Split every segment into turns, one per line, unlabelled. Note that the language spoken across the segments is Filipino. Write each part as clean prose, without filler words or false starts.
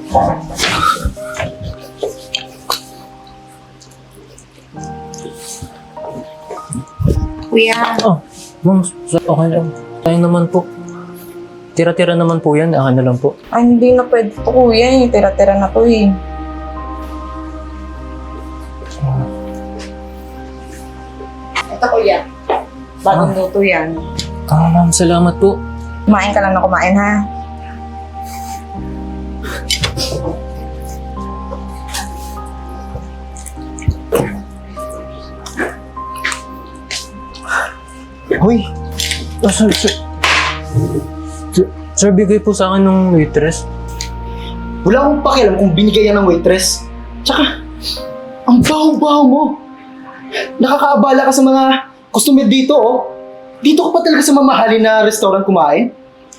Kuya.
Oh, ma'am, okay lang. Tayo naman po. Tira-tira naman po yan, akin na lang po.
Ay, hindi na pwede to, kuya. Tira-tira na to eh. Ito, kuya. Bagong luto yan.
Ma'am, salamat po.
Kumain ka lang na kumain, ha?
Hoy! Sir, bigay po sa akin ng waitress.
Wala akong pakialam kung binigay yan ng waitress. Tsaka, ang baho-baho mo. Nakakaabala ka sa mga customer dito, oh. Dito ka pa talaga sa mamahalin na restaurant kumain?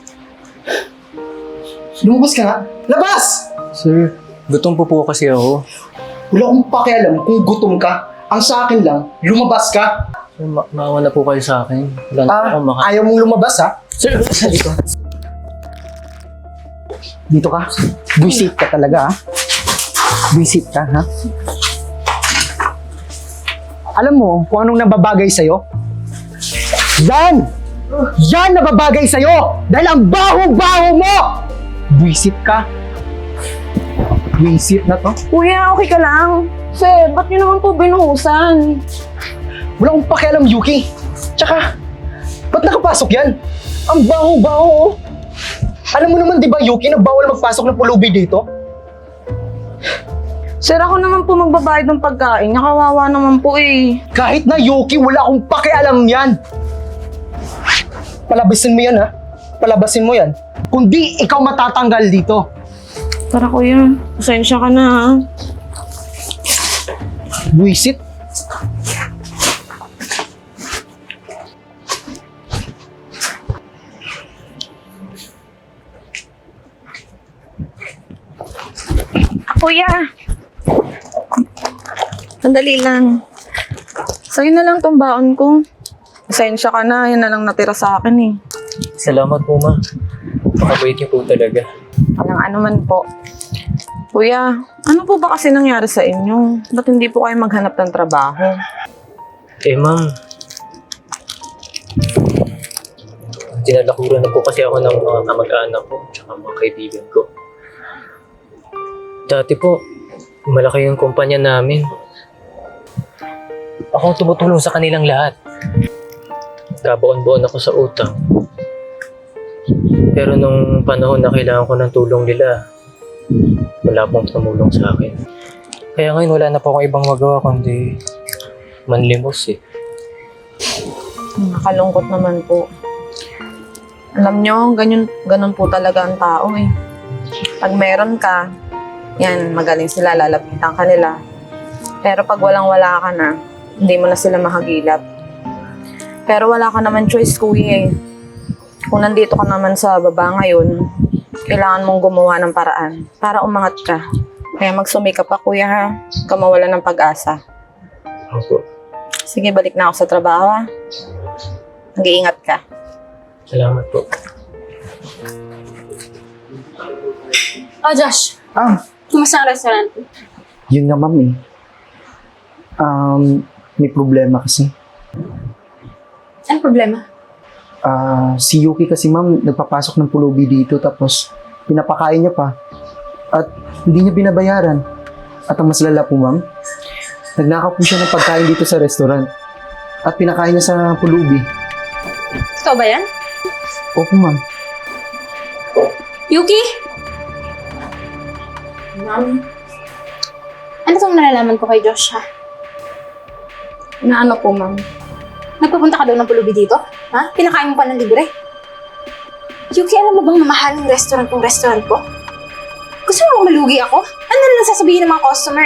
Lumabas ka nga. Labas!
Sir, gutom po kasi ako.
Wala akong pakialam kung gutom ka. Ang sa akin lang, lumabas ka.
Sir, maawa na po kayo sa akin. Wala na akong
Ayaw mong lumabas, ha?
Sir,
Dito. Dito ka. Buisit ka talaga, ha? Buisit ka, ha? Alam mo kung anong nababagay sa'yo? Yan! Yan nababagay sa'yo! Dahil ang baho-baho mo! Buisit ka. Buisit na to.
Kuya, okay ka lang? Sir, ba't niyo naman po binuhusan?
Wala akong pakialam, Yuki. Tsaka, ba't nakapasok yan? Ang baho-baho, oh. Alam mo naman, di ba, Yuki, na bawal magpasok ng pulubi dito?
Sir, ako naman po magbabayad ng pagkain. Nakawawa naman po eh.
Kahit na, Yuki, wala akong pakialam yan. Palabasin mo yan, ha? Palabasin mo yan. Kundi ikaw matatanggal dito.
Tara kuya, pasensya ka na ha.
Buisit.
Kuya! Sandali lang. Sa'yo na lang tong baon ko. Pasensya ka na, yan na lang natira sa akin eh.
salamat po, ma'am. Pakabait niyo po talaga.
Walang ano man po. Kuya, ano po ba kasi nangyari sa inyo? Ba't hindi po kayo maghanap ng trabaho?
Eh, ma'am. Dinalakuran na po kasi ako ng mga kamag-anak ko tsaka mga kaibigan ko. Dati po, malaki yung kumpanya namin. Ako ang tumutulong sa kanilang lahat. Kabaon-baon ako sa utang. Pero nung panahon na kailangan ko ng tulong nila, wala pong tumulong sa akin. Kaya ngayon wala na po akong ibang magawa kundi manlimos eh.
Nakalungkot naman po. Alam nyo, ganun po talaga ang tao eh. Pag meron ka, yan, magaling sila, lalapitan ka nila. Pero pag walang-wala ka na, hindi mo na sila mahagilap. Pero wala ka naman choice, kuya eh. Kung nandito ka naman sa baba ngayon, kailangan mong gumawa ng paraan para umangat ka. Kaya magsumikap pa, kuya ha. Huwag ka mawala ng pag-asa.
Opo.
Sige, balik na ako sa trabaho ha. Mag-iingat ka.
Salamat po.
Oh, Josh. Kumusta ang restaurant?
Yun nga, ma'am, eh. May problema kasi.
Anong problema?
Si Yuki kasi, ma'am, nagpapasok ng pulubi dito tapos pinapakain niya pa. At hindi niya binabayaran. At ang mas lala po, ma'am, nagnakaw po siya ng pagkain dito sa restaurant. At pinakain niya sa pulubi.
Ikaw ba yan?
Opo, ma'am.
Yuki? Ma'am? Ano itong nalalaman ko kay Josh, ha?
Na ano po, ma'am?
Nagpapunta ka daw ng pulubi dito? Ha? Pinakain mo pa ng libre? Yuki, alam mo bang mamahaling restaurant kong restaurant ko? Gusto mo bang malugi ako? Ano na lang sasabihin ng mga customer?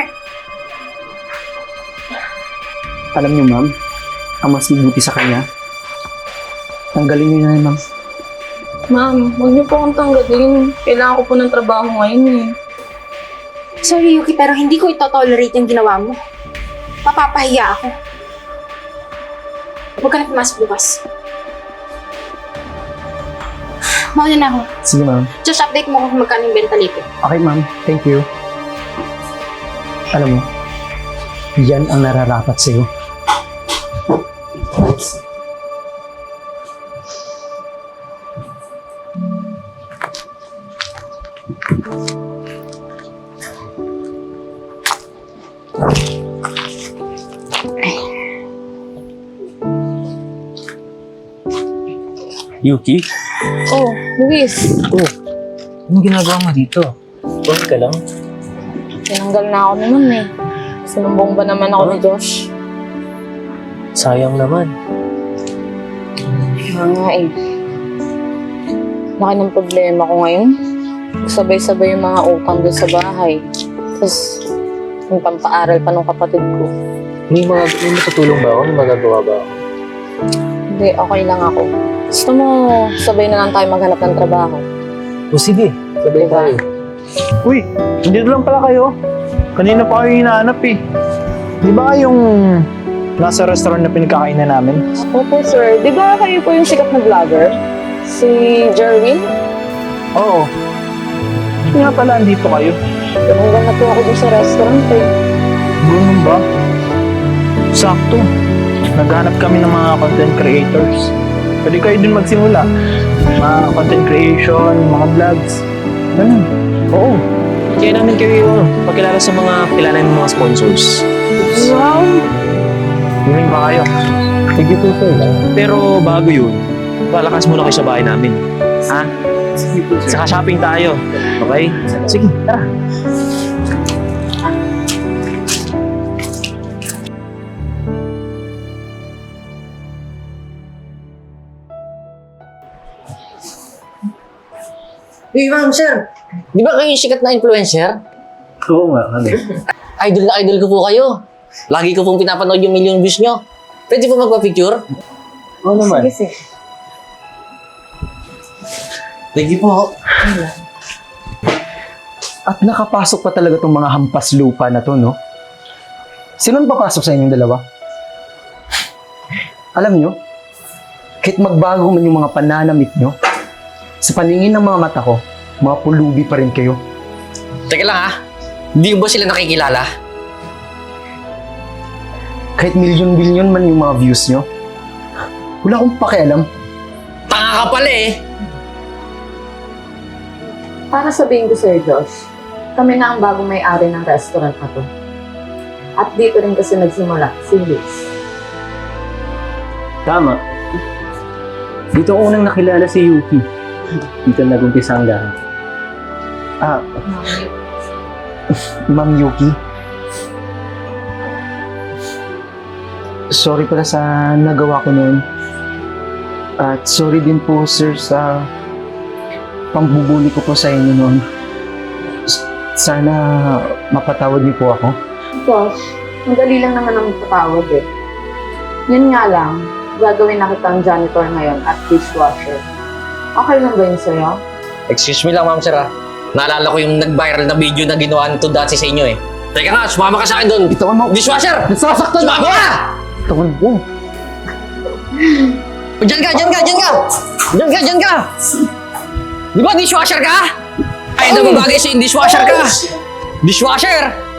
Alam niyo, ma'am, ang mas mabuti sa kanya, tanggalin niyo na yun, ma'am.
Ma'am, huwag niyo po akong tanggalin. Kailangan ko po ng trabaho ngayon eh.
Sorry, Yuki, pero hindi ko ito-tolerate yung ginawa mo. Mapapahiya ako. Huwag ka na pumasok bukas. mauna na ako.
Sige, ma'am.
Just update mo kung magkano yung benta dito.
Okay, ma'am. Thank you. Alam mo, yan ang nararapat sa'yo.
Yuki?
Oh, Luis.
Oh, anong ginagawa mo dito? Okay ka lang?
Tinanggal na ako naman eh. Sinumbong ba naman ako ni Josh?
Sayang naman.
Kaya nga eh. Laki ng problema ko ngayon. Sabay-sabay yung mga utang doon sa bahay. Tapos, yung pampaaral pa ng kapatid ko.
May matutulong ba ako? May magagawa ba ako?
Hindi, okay lang ako. Gusto mo, sabay na lang tayo maghanap ng trabaho.
O sige, sabay
Diba?
tayo.
Uy, dito lang pala kayo. Kanina pa kayo hinahanap eh. Di ba yung nasa restaurant na pinagkakainan namin?
Opo, sir. Di ba kayo po yung sikat na vlogger? Si Jerwin?
Oo. Nga pala, andito kayo.
Tumanggal na po ako dun sa restaurant eh.
Ganun ba? Sakto. Naghanap kami ng mga content creators. Pwede kayo din magsimula. Mga content creation, mga vlogs. Ganun.
Oo. Kaya namin kayo pagkilala sa mga kilala ng mga sponsors.
Wow!
Willing ba kayo?
Sige po, sir. Pero bago yun, palakas muna kayo sa bahay namin. Ha?
Sige po,
Saka shopping tayo. Okay? Sige, tara.
Hey, ma'am, sir. Di ba kayo yung sikat na influencer?
Oo nga, kami.
Idol na idol ko po kayo. Lagi ko pong pinapanood yung million views nyo. Pwede po magpa-picture?
Oo naman.
Sige, sige.
Thank you po.
At nakapasok pa talaga tong mga hampas lupa na to, no? Sino ang papasok sa inyong dalawa? Alam nyo, kahit magbago man yung mga pananamit nyo, sa paningin ng mga mata ko, mga pulubi pa rin kayo.
Teka lang ha. Hindi ba sila nakikilala?
Kahit milyon-bilyon man yung mga views nyo, wala akong pakialam.
Tanga ka pala eh.
Para sabihin ko, Sir Josh, kami na ang bagong may-ari ng restaurant na to. At dito rin kasi nagsimula si Luis.
Tama. Dito ko unang nakilala si Yuki. Dito nag-umpisa ang lahat.
Ah, Ma'am Yuki. Sorry pala sa nagawa ko noon. At sorry din po, sir, sa pambubuli ko po sa inyo noon. Sana mapatawad niyo po ako.
Josh, madali lang naman ang patawad eh. Yun nga lang, gagawin na kitang janitor ngayon at dishwasher. Okay lang ba yun sa'yo?
Excuse me lang, ma'am, sir ha. Naalala ko yung nag-viral na video na ginawa nito dati sa inyo eh. Teka nga, sumama ka sa akin doon.
Bitawan mo!
Dishwasher!
Nasasaktan
Sumama ka!
Bitawan mo!
Diyan ka, diyan ka, diyan ka! Diyan ka, diyan ka! Di ba dishwasher ka? Ay, na bagay sa dishwasher ka! Dishwasher!